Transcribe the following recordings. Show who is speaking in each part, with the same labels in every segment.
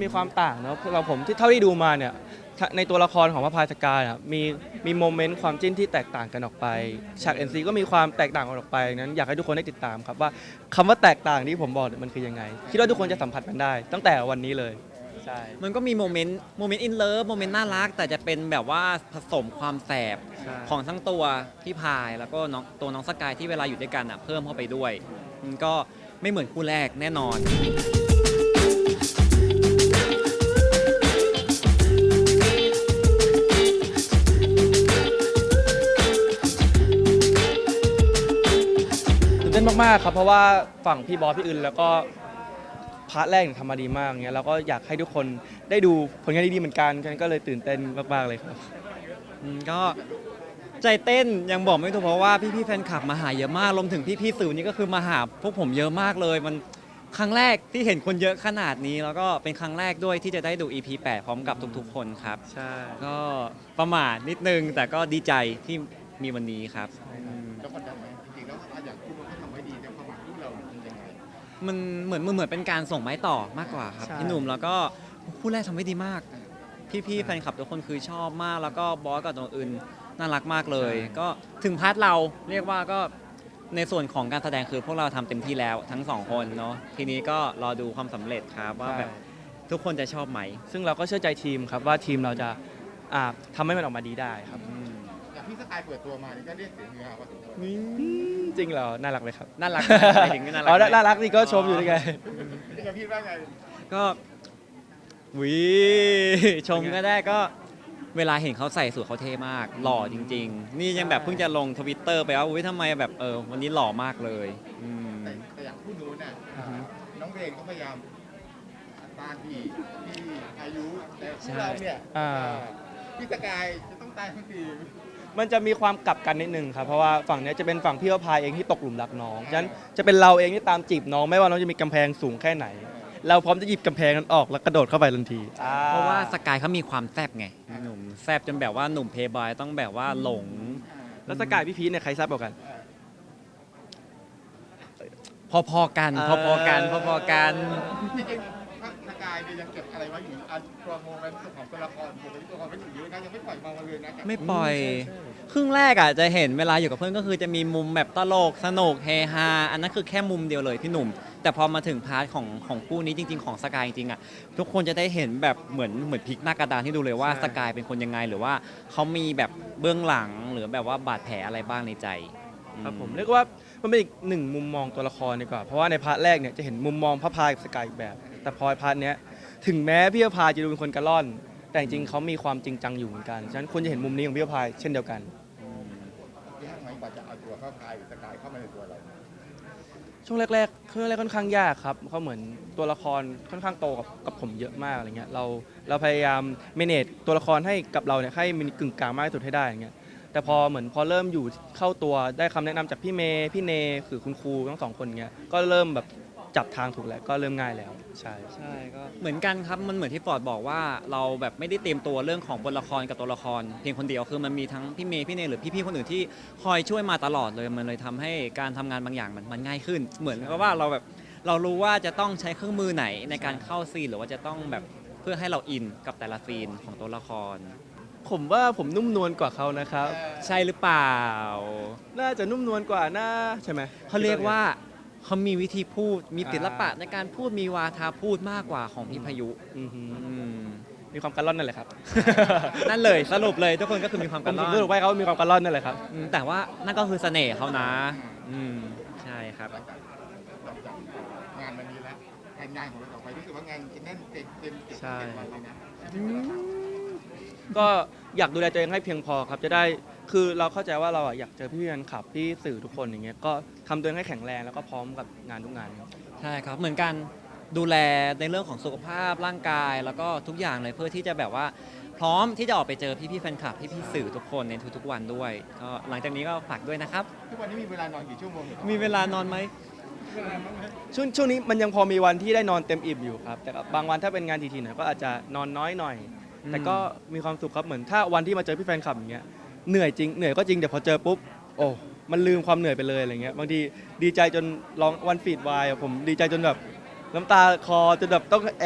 Speaker 1: มีความต่างเนาะผมที่เท่าที่ดูมาเนี่ยในตัวละครของพระพายสกายอ่ะมีโมเมนต์ความจิ้นที่แตกต่างกันออกไปฉาก NC ก็มีความแตกต่างกันออกไปนั้นอยากให้ทุกคนได้ติดตามครับว่าคำว่าแตกต่างที่ผมบอกเนี่ยมันคือยังไงคิดว่าทุกคนจะสัมผัสมันได้ตั้งแต่วันนี้เลยใช่
Speaker 2: มันก็มีโมเมนต์อินเลิฟโมเมนต์น่ารักแต่จะเป็นแบบว่าผสมความแสบ
Speaker 1: ใช่
Speaker 2: ของทั้งตัวพี่พายแล้วก็น้องสกายที่เวลาอยู่ด้วยกันอ่ะเพิ่มเข้าไปด้วยมันก็ไม่เหมือนคู่แรกแน่นอน
Speaker 1: ตื่นเต้นมากๆครับเพราะว่าฝั่งพี่บอสพี่อึนแล้วก็พาร์ทแรกเนี่ยทำมาดีมากเงี้ยแล้วก็อยากให้ทุกคนได้ดูผลงานดีๆเหมือนกันก็เลยตื่นเต้นมากๆเลยครับ
Speaker 2: ก็ใจเต้นยังบอกไม่ถูกเพราะว่าพี่ๆแฟนคลับมาหาเยอะมากรวมถึงพี่ๆสื่อนี่ก็คือมาหาพวกผมเยอะมากเลยมันครั้งแรกที่เห็นคนเยอะขนาดนี้แล้วก็เป็นครั้งแรกด้วยที่จะได้ดู EP 8 พร้อมกับทุกๆคนครับ
Speaker 1: ใช่
Speaker 2: ก็ประมาทนิดนึงแต่ก็ดีใจที่มีวันนี้ครับ
Speaker 3: แล้วกดดันไหมจริงๆแล้วอยากพูดว่าเขาทำไว้ดีแต่ความหมายที่เราเป็นยังไง
Speaker 2: มันเหมือนเป็นการส่งไม้ต่อมากกว่าครับพี่หนุ่มแล้วก็คู่แรกทำไว้ดีมาก พี่ๆแฟนคลับทุกคนคือชอบมากแล้วก็บอสกับตัวอื่นน่ารักมากเลย ก็ถึงพาร์ทเราเรียกว่าก็ในส่วนของการแสดงคือพวกเราทำเต็มที่แล้วทั้งสองคนเนาะทีนี้ก็รอดูความสำเร็จครับว่าแบบทุกคนจะชอบไหม
Speaker 1: ซึ่งเราก็เชื่อใจทีมครับว่าทีมเราจะทำให้มันออกมาดีได้ครับ
Speaker 3: อย่างพี่สกายเปิดตัวมานี่ก็เรียกเสียงฮือฮาพอสมควร
Speaker 1: จริงเหรอน่ารักเลยครับ
Speaker 2: น่ารักหมายถึงน่ารัก
Speaker 1: อ๋อ
Speaker 2: ไหม
Speaker 1: น่ารักนี่ก็ชมอยู่ด้วยไง
Speaker 3: พี่กับพี่ว่าไง
Speaker 2: ก็วิชมก็ได้ก็เวลาเห็นเขาใส่สูทเขาเท่มาก หล่อจริง ๆ นี่ยังแบบเพิ่งจะลงทวิตเตอร์ไปว่าอุ้ยทำไมแบบวันนี้หล่อมากเลยอืม
Speaker 3: แต่อย่างผู้นู้นน่ะน้องเรนก็พยายามต้านพี่อายุแต่พวกเราเนี่ยพี่สกายจะต้องตายทั้งที
Speaker 1: มันจะมีความกลับกันนิดนึงครับเพราะว่าฝั่งเนี้ยจะเป็นฝั่งพี่วพายเองที่ตกหลุมรักน้องฉะนั้นจะเป็นเราเองที่ตามจีบน้องไม่ว่าน้องจะมีกำแพงสูงแค่ไหน เราพร้อมจะหยิบกำแพงนั้นออกแล้วกระโดดเข้าไปทันที
Speaker 2: เพราะว่าสกายเขามีความแซบไงหนุ่มแซบจนแบบว่าหนุ่มเพย์บอยต้องแบบว่าหลง
Speaker 1: แล้วสกายพี่พีชเนี่ยใครทราบกว่ากัน
Speaker 2: พอๆกันพอๆกัน
Speaker 3: จริงๆพระสกายเนี่ยยังเก็บอะไรไว้อยู่โปรโมทในส่วนของตัวละครผมเป็นตัวละครไม่ถึงเยอะนะยังไม่ปล่อยมาเลยนะ
Speaker 2: ไม่ปล่อย ครึ่งแรกอ่ะจะเห็นเวลาอยู่กับเพื่อนก็คือจะมีมุมแบบตลกสนุกเฮฮาอันนั้นคือแค่มุมเดียวเลยพี่หนุ่ม แต่พอมาถึงพาร์ทของคู่นี้จริงๆของสกายจริงๆอ่ะทุกคนจะได้เห็นแบบเหมือนพลิกหน้ากระดานที่ดูเลยว่าสกายเป็นคนยังไงหรือว่าเขามีแบบเบื้องหลังหรือแบบว่าบาดแผลอะไรบ้างในใจ
Speaker 1: ครับผมเรียกว่ามันเป็นอีกหนึ่งมุมมองตัวละครดีกว่าเพราะว่าในพาร์ทแรกเนี่ยจะเห็นมุมมองพระพายกับสกายอีกแบบ แต่พอพาร์ทเนี้ยถึงแม้พี่พระพายจะดูเป็นคนกระล่อน แต่จริงๆเขามีความจริงจังอยู่เหมือนกันฉะนั้นคุณจะเห็นมุมนี้ของพี่พระพายเช่นเดียวกัน
Speaker 3: ยากไหมกว่าจะเอาตัวเข้าพายหรือสกายเข้ามาในตัวเรา
Speaker 1: ช่วงแรกค่อนข้างยากครับเขาเหมือนตัวละครค่อนข้างโตกับผมเยอะมากอะไรเงี้ยเราพยายามเมเนจตัวละครให้กับเราเนี่ยให้มันกึ่งกลางมากที่สุดให้ได้อย่างเงี้ยแต่พอเริ่มอยู่เข้าตัวได้คำแนะนำจากพี่เมย์พี่เนคือคุณครูทั้งสองคนเงี้ยก็เริ่มแบบจับทางถูกแล้วก็เริ่มง่ายแล้วใช่
Speaker 2: ใช่ก็เหมือนกันครับมันเหมือนที่ฟอร์ดบอกว่าเราแบบไม่ได้เตรียมตัวเรื่องของบทละครกับตัวละครเพียงคนเดียวคือมันมีทั้งพี่เมย์พี่เนยหรือพี่ๆคนอื่นที่คอยช่วยมาตลอดเลยมันเลยทำให้การทำงานบางอย่างมันง่ายขึ้น เหมือนกับว่าเราแบบเรารู้ว่าจะต้องใช้เครื่องมือไหนในการเข้าซีนหรือว่าจะต้องแบบเพื่อให้เราอินกับแต่ละซีนของตัวละคร
Speaker 1: ผมว่าผมนุ่มนวลกว่าเขานะครับ
Speaker 2: ใช่หรือเปล่า
Speaker 1: น่าจะนุ่มนวลกว่าน่าใช่ไหม
Speaker 2: เขาเรียกว่าเขามีวิธีพูดมีศิลปะในการพูดมีวาทาพูดมากกว่าของพี่พายุ
Speaker 1: อือหือ
Speaker 2: อืม
Speaker 1: มีความกระล่อนนั่นแหละครับ
Speaker 2: นั่นเลยสรุปเลยทุกคนก็คือมีความ
Speaker 1: ผ
Speaker 2: กั
Speaker 1: ม
Speaker 2: นล่อน
Speaker 1: รู้สึกว่าเขามีความกระล่อนนั่นแหละครับ
Speaker 2: แต่ว่านั่นก็คือเสน่ห์เขานะใช่ครับ
Speaker 3: หลังจากงานวันนี้แล้วงานของเราต่อไปรู้สึกว่างานจะแน่นเต็ม
Speaker 1: ใช่
Speaker 3: วันเลยนะ
Speaker 1: ก็อยากดูแลตัวเองให้เพียงพอครับจะได้คือเราเข้าใจว่าเราอยากเจอพี่แฟนคลับพี่สื่อทุกคนอย่างเงี้ยก็ทำตัวเองให้แข็งแรงแล้วก็พร้อมกับงานทุกงานครับ
Speaker 2: ใช่ครับเหมือนกันดูแลในเรื่องของสุขภาพร่างกาย แล้วก็ทุกอย่างเลยเพื่อที่จะแบบว่าพร้อมที่จะออกไปเจอพี่ๆแฟนคลับพี่ๆสื่อทุกคนในทุกๆวันด้วยก็หลังจากนี้ก็ฝากด้วยนะครับ
Speaker 3: ทุกวันนี้มีเวลานอนกี่ชั่วโมง
Speaker 2: มีเวลานอนไหม
Speaker 1: ช่วงนี้มันยังพอมีวันที่ได้นอนเต็มอิ่มอยู่ครับแต่ก็บางวันถ้าเป็นงานทีๆหน่อยก็อาจจะนอนน้อยหน่อย แต่ก็มีความสุขครับเหมือนถ้าวันที่มาเจอพี่แฟนคลับอย่างเงี้ยเหนื่อยจริงเหนื่อยก็จริงแต่พอเจอปุ๊บโอ้มันลืมความเหนื่อยไปเลยอะไรเงี้ยบางทีดีใจจนร้องวันฟีดวายผมดีใจจนแบบน้ำตาคลอจนแบบต้องแอบ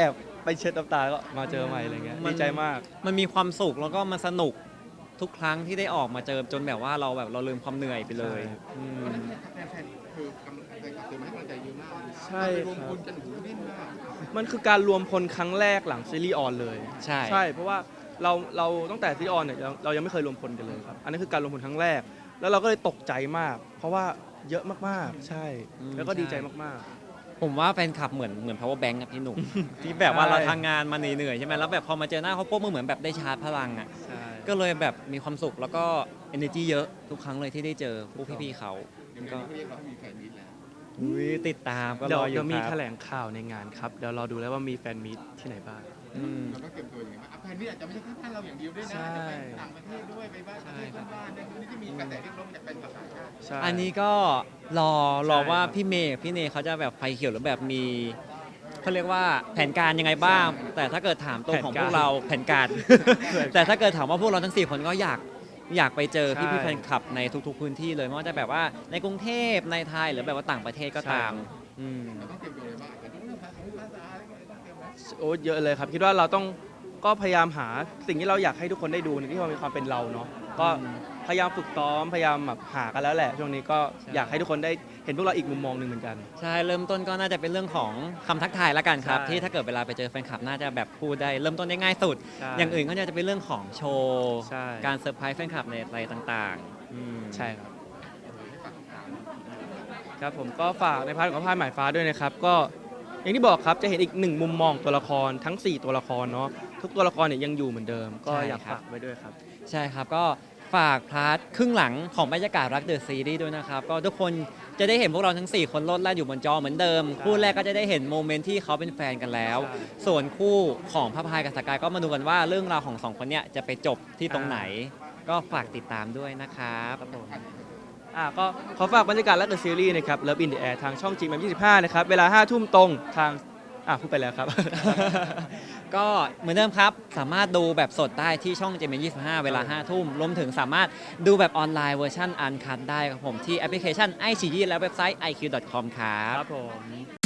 Speaker 1: ไปเช็ดน้ำตาก็มาเจอใหม่อะไรเงี้ย
Speaker 2: มัน
Speaker 1: ดีใจมาก
Speaker 2: มันมีความสุขแล้วก็มันสนุกทุกครั้งที่ได้ออกมาเจอจนแบบว่าเราลืมความเหนื่อยไปเลย
Speaker 1: ใช่
Speaker 2: อืม
Speaker 3: วันนั้นเนี่ยแฟนๆคือกำลังใจกับคือมาให้กำลังใจเยอะมาก
Speaker 1: ใช่
Speaker 3: ไปรวม
Speaker 1: ครับ
Speaker 3: พลกันหูดิ้นมาก
Speaker 1: มันคือการรวมพลครั้งแรกหลังซีรีส์ออนเลย
Speaker 2: ใช่
Speaker 1: ใช่เพราะว่าเราตั้งแต่ซีรีส์ออนเนี่ยเรายังไม่เคยรวมพลกันเลยครับอันนี้คือการรวมพลครั้งแรก แล้วเราก็เลยตกใจมาก เพราะว่าเยอะมากๆ ใช่ แล้วก็ดีใจมาก
Speaker 2: ผมว่าแฟนคลับเหมือน power bank กับพี่หนุ่ม ที่แบบว่า
Speaker 1: ใช่
Speaker 2: เราทำงานมาเหนื่อยๆใช่ไหมแล้วแบบพอมาเจอหน้าเขาปุ๊บมันเหมือนแบบได้ชาร์จพลังอ่ะ
Speaker 1: ๆใช่
Speaker 2: ก็เลยแบบมีความสุขแล้วก็ energy เยอะทุกครั้งเลยที่ได้เจอพวกพี่ๆเขา
Speaker 3: เดี๋ยว
Speaker 2: ก็
Speaker 3: นี้เขาเรียกเราให้มีแฟนมิตรแล้ว
Speaker 2: อุ๊ยติดตามก็
Speaker 1: เดี๋
Speaker 2: ร
Speaker 1: ยว
Speaker 2: ออยู่
Speaker 1: มี
Speaker 2: ค
Speaker 1: แถ
Speaker 2: รับ
Speaker 1: ลงข่าวในงานครับ เดี๋ยวรอดูแล้วว่ามีแฟนมีตที่ไหนบ้าง
Speaker 2: อืม
Speaker 3: เราต้องเตรียมตัวยังไงบ้างอ่ะแฟนมิตรอาจจะไม่ใช่แค่บ้านเราอย่างเดียวด้วยนะ
Speaker 1: ใช่
Speaker 3: จะไปต่างประเทศด้วยไปบ้านประเทศเพื่อนบ้านเนี่ยนี่ที่มีกระแสเรียกร้องจากแฟนคลับต่างชาติ
Speaker 1: ใช่
Speaker 2: อันนี้ก็รอ
Speaker 1: ใช่
Speaker 2: ว่า
Speaker 1: ครับ
Speaker 2: พี่เมย์กับพี่เนเขาจะแบบไฟเขียวหรือแบบมีเขาเรียกว่าแผนการยังไงบ้าง แต่ถ้าเกิดถามตัวของพวกเราแผนการ แต่ถ้าเกิดถามว่าพวกเราทั้ง 4 คนก็อยากไปเจอพี่ๆแฟนคลับในทุกๆพื้นที่เลยไม่ว่าจะแบบว่าในกรุงเทพในไทยหรือแบบว่าต่างประเทศก็ตามอืม
Speaker 3: เราต้องเตรียมตัวอะไรบ้างอาจจะต้องเรื่องภาษาอะไรก็ต้องเตรียมไหม
Speaker 1: โอ้เยอะเลยครับคิดว่าเราต้องก็พยายามหาสิ่งที่เราอยากให้ทุกคนได้ดูที่มันมีความเป็นเราเนาะก็พยายามฝึกซ้อมพยายามแบบหากันแล้วแหละช่วงนี้ก็อยากให้ทุกคนได้เห็นพวกเราอีกมุมมองหนึ่งเหมือนกัน
Speaker 2: ใช่เริ่มต้นก็น่าจะเป็นเรื่องของคำทักทายละกันครับ
Speaker 1: ใช่
Speaker 2: ที่ถ้าเกิดเวลาไปเจอแฟนคลับน่าจะแบบพูดได้เริ่มต้นได้ง่ายสุด
Speaker 1: ใช่
Speaker 2: อย่างอื่นก็จะเป็นเรื่องของโชว์
Speaker 1: ใช่
Speaker 2: การเซอร์ไพรส์แฟนคลับในอะไรต่างๆอืม
Speaker 1: ใช่ครับ
Speaker 3: ให้ฝากติดตาม
Speaker 1: ครับผมก็ฝากในพาร์ทของพายหมายฟ้าด้วยนะครับก็อย่างที่บอกครับจะเห็นอีกหนึ่งมุมมองตัวละครทั้ง 4 ตัวละครเนาะทุกตัวละครเนี่ยยังอยู่เหมือนเดิม ก็
Speaker 2: ใช่
Speaker 1: อยาก
Speaker 2: ครับ
Speaker 1: ฝากไว้ด้วยครับ
Speaker 2: ใช่ครับก็ฝากพาร์ทครึ่งหลังของบรรยากาศรักเดอะซีรีส์ด้วยนะครับก็ทุกคนจะได้เห็นพวกเราทั้ง 4 คนโลดแล่นอยู่บนจอเหมือนเดิม
Speaker 1: ใช่
Speaker 2: คู่แรกก็จะได้เห็นโมเมนต์ที่เขาเป็นแฟนกันแล้ว
Speaker 1: ใช่
Speaker 2: ส่วนคู่ของพระพายกับสกายก็มาดูกันว่าเรื่องราวของสองคนเนี้ยจะไปจบที่ตรงไหน ก็ฝากติดตามด้วยนะครับ
Speaker 1: ครับผมก็ขอฝากบรรยากาศและเดอะซีรีส์นะครับ Love in the Air ทางช่อง GMM25 นะครับ เวลา 5 ทุ่มตรงทางพูดไปแล้วครับ
Speaker 2: ก็เหมือนเดิมครับ สามารถดูแบบสดได้ที่ช่อง JMM25 เวลา 5 ทุ่ม รวมถึงสามารถดูแบบออนไลน์เวอร์ชันอันคัดได้ครับผมที่แอปพลิเคชัน iQIYI และเว็บไซต์ iq.com ครับ
Speaker 1: ครับผม